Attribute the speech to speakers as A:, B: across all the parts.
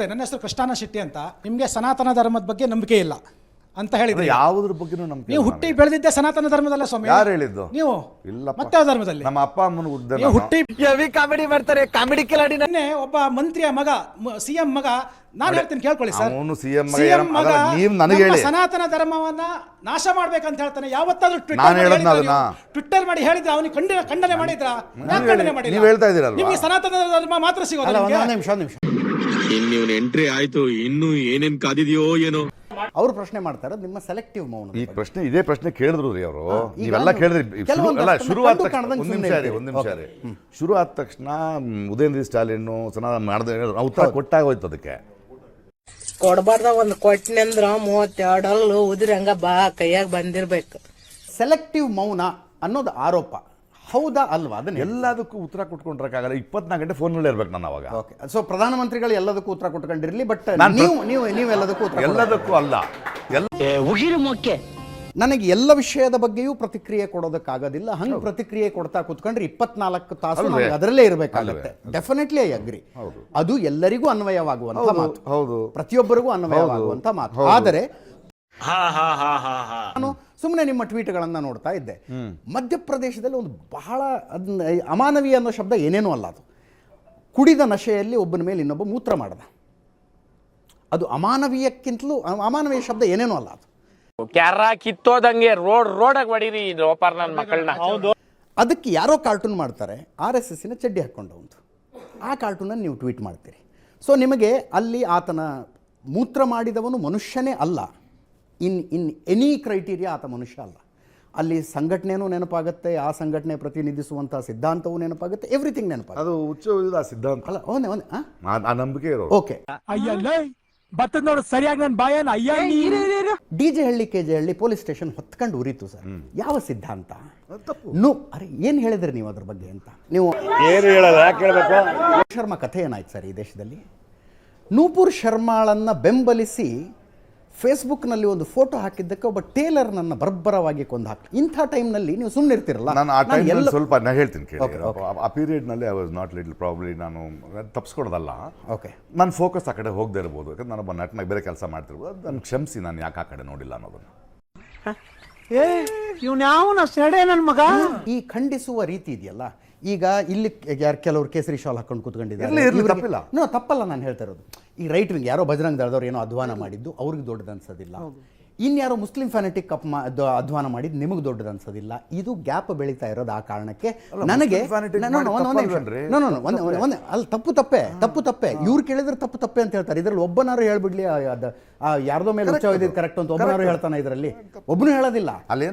A: ನಮಸ್ತೆ, ನನ್ನ ಹೆಸರು ಕೃಷ್ಣಾನ ಶೆಟ್ಟಿ ಅಂತ. ನಿಮಗೆ ಸನಾತನ ಧರ್ಮದ ಬಗ್ಗೆ ನಂಬಿಕೆ ಇಲ್ಲ ಅಂತ ಹೇಳಿದ್ರಿ.
B: ಯಾವುದ್ರ ಬಗ್ಗೆನೂ ನಂಬಿಕೆ
A: ನೀವು ಹುಟ್ಟಿ ಬೆಳೆದಿದ್ದೆ ಸನಾತನ ಧರ್ಮದಲ್ಲ ಸ್ವಾಮಿ.
B: ಯಾರು ಹೇಳಿದ್ದು?
A: ನೀವು
B: ಇಲ್ಲ.
A: ಮತ್ತೆ ಯಾವ ಧರ್ಮದಲ್ಲಿ?
B: ನಮ್ಮ ಅಪ್ಪ ಅಮ್ಮನ ಉದ್ದ
A: ನೀವು ಹುಟ್ಟಿ
C: ಕಾಮಿಡಿ ಮಾಡ್ತಾರೆ, ಕಾಮಿಡಿ ಕಿಲಾಡಿ.
A: ನೆನ್ನೆ ಒಬ್ಬ ಮಂತ್ರಿಯ ಮಗ, ಸಿಎಂ ಮಗ, ನಾನು ಹೇಳ್ತೀನಿ ಕೇಳ್ಕೊಳ್ಳಿ ಸರ್,
B: ಅವನು ಸಿಎಂ
A: ಮಗ
B: ನೀವು ನನಗೆ ಹೇಳಿ
A: ಸನಾತನ ಧರ್ಮವನ್ನ ನಾಶ ಮಾಡ್ಬೇಕಂತ ಹೇಳ್ತಾನೆ. ಯಾವತ್ತಾದ್ರೂ ಟ್ವಿಟ್ಟರ್ ಮಾಡಿ ಹೇಳಿದ್ರೆ ಅವನಿಗೆ ಖಂಡನೆ ಮಾಡಿದ್ರ? ಖಂಡನೆ ಮಾಡಿಲ್ಲ.
B: ನೀವು ಹೇಳ್ತಾ ಇದ್ದೀರಲ್ವಾ,
A: ನಿಮಗೆ ಸನಾತನ ಧರ್ಮ ಮಾತ್ರ ಸಿಗೋದು.
D: ನಿಮಿಷ
E: ಇನ್ನು ಎಂಟ್ರಿ ಆಯ್ತು, ಇನ್ನು ಏನೇನ್ ಕಾದಿದೆಯೋ ಏನೋ.
D: ಅವ್ರು ಪ್ರಶ್ನೆ ಮಾಡ್ತಾರೆ ನಿಮ್ಮ ಸೆಲೆಕ್ಟಿವ್ ಮೌನ.
B: ಈ ಪ್ರಶ್ನೆ ಇದೇ ಪ್ರಶ್ನೆ ಕೇಳಿದ್ರು ರೀ ಅವರು. ನೀವೆಲ್ಲ ಕೇಳಿದ್ರಿ. ಶುರು ಆದ ತಕ್ಷಣ ಒಂದ್ ನಿಮಿಷ ರೀ, ಶುರು ಆದ ತಕ್ಷಣ ಉದಯನಿಧಿ ಸ್ಟಾಲಿನ್ ಮಾಡಿದ ಉತ್ತರ ಕೊಟ್ಟಾಗ ಹೋಯ್ತು. ಅದಕ್ಕೆ
F: ಕೊಡಬಾರ್ದ ಒಂದು ಕೊಟ್ಟಿನಿ ಅಂದ್ರ 32 ಅಲ್ಲು ಉದಿರಿ ಹಂಗ ಬಾ ಕೈಯಾಗ ಬಂದಿರ್ಬೇಕು.
D: ಸೆಲೆಕ್ಟಿವ್ ಮೌನ ಅನ್ನೋದು ಆರೋಪ ಹೌದಾ ಅಲ್ವಾ? ಅದನ್ನ
B: ಎಲ್ಲದಕ್ಕೂ ಉತ್ತರ ಕೊಟ್ಕೊಂಡಿರಕ್ಕಾಗಲ್ಲ. 24 ಗಂಟೆ ಫೋನ್ ಇರ್ಬೇಕು ನಾನು ಅವಾಗ.
D: ಓಕೆ, ಸೊ ಪ್ರಧಾನಮಂತ್ರಿಗಳು ಎಲ್ಲದಕ್ಕೂ ಉತ್ತರ ಕೊಟ್ಕೊಂಡಿರಲಿ, ಬಟ್ ನೀವು ಎಲ್ಲದಕ್ಕೂ ಉತ್ತರ
B: ಎಲ್ಲದಕ್ಕೂ ಅಲ್ಲ.
D: ನನಗೆ ಎಲ್ಲ ವಿಷಯದ ಬಗ್ಗೆಯೂ ಪ್ರತಿಕ್ರಿಯೆ ಕೊಡೋದಕ್ಕಾಗೋದಿಲ್ಲ. ಹಂಗೆ ಪ್ರತಿಕ್ರಿಯೆ ಕೊಡ್ತಾ ಕೂತ್ಕೊಂಡ್ರೆ 24 ತಾಸು ಅದರಲ್ಲೇ ಇರಬೇಕಾಗುತ್ತೆ. Definitely I agree. ಅದು ಎಲ್ಲರಿಗೂ ಅನ್ವಯವಾಗುವಂತ ಮಾತು, ಹೌದು, ಪ್ರತಿಯೊಬ್ಬರಿಗೂ ಅನ್ವಯವಾಗುವಂತ ಮಾತು. ಆದರೆ ನಾನು ಸುಮ್ಮನೆ ನಿಮ್ಮ ಟ್ವೀಟ್ಗಳನ್ನ ನೋಡ್ತಾ ಇದ್ದೆ. ಮಧ್ಯಪ್ರದೇಶದಲ್ಲಿ ಒಂದು ಬಹಳ ಅಮಾನವೀಯ ಅನ್ನೋ ಶಬ್ದ ಏನೇನೂ ಅಲ್ಲ. ಅದು ಕುಡಿದ ನಶೆಯಲ್ಲಿ ಒಬ್ಬನ ಮೇಲೆ ಇನ್ನೊಬ್ಬ ಮೂತ್ರ ಮಾಡದ. ಅದು ಅಮಾನವೀಯಕ್ಕಿಂತಲೂ ಅಮಾನವೀಯ ಶಬ್ದ ಏನೇನೂ ಅಲ್ಲ. ಅದು
C: ಕ್ಯಾರ ಕಿತ್ತೋದಂಗೆ ರೋಡಾಗ ಹೊಡೀರಿ ಲೋಪಾರ್ ನನ್ನ ಮಕ್ಕಳನ್ನ.
D: ಅದಕ್ಕೆ ಯಾರೋ ಕಾರ್ಟೂನ್ ಮಾಡ್ತಾರೆ, RSSನ ಚಡ್ಡಿ ಹಾಕ್ಕೊಂಡವಂತು. ಆ ಕಾರ್ಟೂನನ್ನು ನೀವು ಟ್ವೀಟ್ ಮಾಡ್ತೀರಿ. ಸೊ ನಿಮಗೆ ಅಲ್ಲಿ ಆತನ ಮೂತ್ರ ಮಾಡಿದವನು ಮನುಷ್ಯನೇ ಅಲ್ಲ. ಇನ್ ಎನಿ ಕ್ರೈಟೀರಿಯಾ ಆತ ಮನುಷ್ಯ ಅಲ್ಲ. ಅಲ್ಲಿ ಸಂಘಟನೆಯೂ ನೆನಪಾಗುತ್ತೆ, ಆ ಸಂಘಟನೆ ಪ್ರತಿನಿಧಿಸುವಂತಹ ಸಿದ್ಧಾಂತವೂ ನೆನಪಾಗುತ್ತೆ, ಎವ್ರಿಥಿಂಗ್ ನೆನಪಾಗುತ್ತೆ.
B: ಅದು ಹುಚ್ಚ ಸಿದ್ಧಾಂತ
D: ಅಲ್ಲ,
B: ಆ ನಂಬಿಕೆ ಇರೋ.
D: ಓಕೆ,
C: ಬರ್ತದ ನೋಡು ಸರಿಯಾಗಿ ನನ್ನ ಬಾಯನ್.
D: DJ Halli KJ Halli police station ಹೊತ್ಕೊಂಡು ಉರಿತು ಸರ್. ಯಾವ ಸಿದ್ಧಾಂತ? ಅರೆ ಏನ್ ಹೇಳಿದ್ರಿ ನೀವು ಅದ್ರ ಬಗ್ಗೆ ಅಂತ? ನೀವು
B: ಏನು ಹೇಳಲ್ಲ, ಯಾಕೆ ಹೇಳ್ಬೇಕು?
D: ಶರ್ಮಾ ಕಥೆ ಏನಾಯ್ತು ಸರ್ ಈ ದೇಶದಲ್ಲಿ? ನೂಪುರ್ ಶರ್ಮಾಳನ್ನ ಬೆಂಬಲಿಸಿ ಫೇಸ್ಬುಕ್ನಲ್ಲಿ ಒಂದು ಫೋಟೋ ಹಾಕಿದ್ದಕ್ಕೆ ಒಬ್ಬ ಟೇಲರ್ ನನ್ನ ಬರ್ಬರವಾಗಿ ಕೊಂದು ಹಾಕಿ. ಇಂಥ ಟೈಮ್ನಲ್ಲಿ ನೀವು ಸುಮ್ಮನೆ ಇರ್ತಿರಲ್ಲ.
B: ನಾನು ಆ ಟೈಮ್ ಸ್ವಲ್ಪ ನಾನು ಹೇಳ್ತೀನಿ ಕೇಳಿ. ಆ ಪೀರಿಯಡ್ನಲ್ಲಿ I was not little probably. ನಾನು ತಪ್ಪಿಸ್ಕೊಡೋದಲ್ಲ. ಓಕೆ, ನನ್ನ ಫೋಕಸ್ ಆ ಕಡೆ ಹೋಗದೆ ಇರ್ಬೋದು, ಯಾಕಂದ್ರೆ ನಾನೊಬ್ಬ ನಟನಾಗಿ ಬೇರೆ ಕೆಲಸ ಮಾಡ್ತಿರ್ಬೋದು. ಅದು ನಾನು ಕ್ಷಮಿಸಿ, ನಾನು ಯಾಕೆ ಆ ಕಡೆ ನೋಡಿಲ್ಲ ಅನ್ನೋದನ್ನು.
C: ನನ್ನ ಮಗ
D: ಈ ಖಂಡಿಸುವ ರೀತಿ ಇದೆಯಲ್ಲ, ಈಗ ಇಲ್ಲಿ ಕೆಲವರು ಕೇಸರಿ ಶಾಲ್ ಹಾಕೊಂಡು ಕೂತ್ಕೊಂಡಿದ್ದಾರೆ. ತಪ್ಪಲ್ಲ ನಾನು ಹೇಳ್ತಾ ಇರೋದು. ಈ ರೈಟ್ ವಿಂಗ್ ಯಾರೋ ಬಜರಂಗ್ ದಳದವ್ರು ಏನೋ ಅಧ್ವಾನ ಮಾಡಿದ್ದು ಅವ್ರಿಗೆ ದೊಡ್ಡದು ಅನ್ಸೋದಿಲ್ಲ. ಇನ್ಯಾರೋ ಮುಸ್ಲಿಂ ಫ್ಯಾನೆಟಿಕ್ ಅಧ್ವಾನ ಮಾಡಿದ್ದು ನಿಮಗೆ ದೊಡ್ಡದು ಅನ್ಸೋದಿಲ್ಲ. ಇದು ಗ್ಯಾಪ್ ಬೆಳೀತಾ ಇರೋದು ಆ ಕಾರಣಕ್ಕೆ. ನನಗೆ ಅಲ್ಲಿ ತಪ್ಪು ತಪ್ಪೆ ಇವ್ರು ಕೇಳಿದ್ರೆ ತಪ್ಪೆ ಅಂತ ಹೇಳ್ತಾರೆ. ಇದ್ರಲ್ಲಿ ಒಬ್ಬನಾರು ಹೇಳ್ಬಿಡ್ಲಿ, ಯಾರ್ದೋ ಮೇಲೆ ಉಚ್ಚವಿದ್ದು ಕರೆಕ್ಟ್ ಅಂತ ಒಬ್ಬನಾರು ಹೇಳ್ತಾನೆ. ಇದರಲ್ಲಿ ಒಬ್ಬನು ಹೇಳೋದಿಲ್ಲ.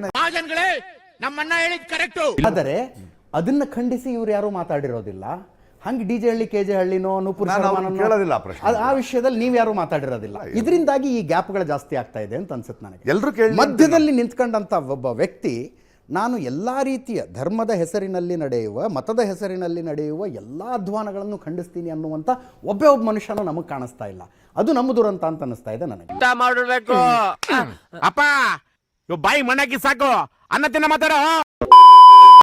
D: ಆದರೆ ಅದನ್ನ ಖಂಡಿಸಿ ಇವ್ರು ಯಾರು ಮಾತಾಡಿರೋದಿಲ್ಲ. ಹಂಗೆ DJ ಹಳ್ಳಿ KJ ಹಳ್ಳಿನೋ ನೂಪುರ್ ಆ ವಿಷಯದಲ್ಲಿ ನೀವು ಯಾರು ಮಾತಾಡಿರೋದಿಲ್ಲ. ಇದರಿಂದಾಗಿ ಈ ಗ್ಯಾಪ್ಗಳು ಜಾಸ್ತಿ ಆಗ್ತಾ ಇದೆ ಅಂತ ಅನ್ಸುತ್ತೆ ನನಗೆ. ಮಧ್ಯದಲ್ಲಿ ನಿಂತ್ಕೊಂಡಂತ ಒಬ್ಬ ವ್ಯಕ್ತಿ ನಾನು ಎಲ್ಲಾ ರೀತಿಯ ಧರ್ಮದ ಹೆಸರಿನಲ್ಲಿ ನಡೆಯುವ, ಮತದ ಹೆಸರಿನಲ್ಲಿ ನಡೆಯುವ ಎಲ್ಲಾ ಅಧ್ವಾನಗಳನ್ನು ಖಂಡಿಸ್ತೀನಿ ಅನ್ನುವಂತ ಒಬ್ಬ ಮನುಷ್ಯನೂ ನಮಗೆ ಕಾಣಿಸ್ತಾ ಇಲ್ಲ. ಅದು ನಮ್ಮ ದುರಂತ ಅಂತ ಅನಿಸ್ತಾ ಇದೆ ನನಗೆ.
C: ಮಾಡಬೇಕು ಅಪ್ಪ, ಬಾಯಿ ಮಣ್ಣಾಕಿ ಸಾಕು, ಅನ್ನ ತಿನ್ನ ಮಾತಾಡೋ.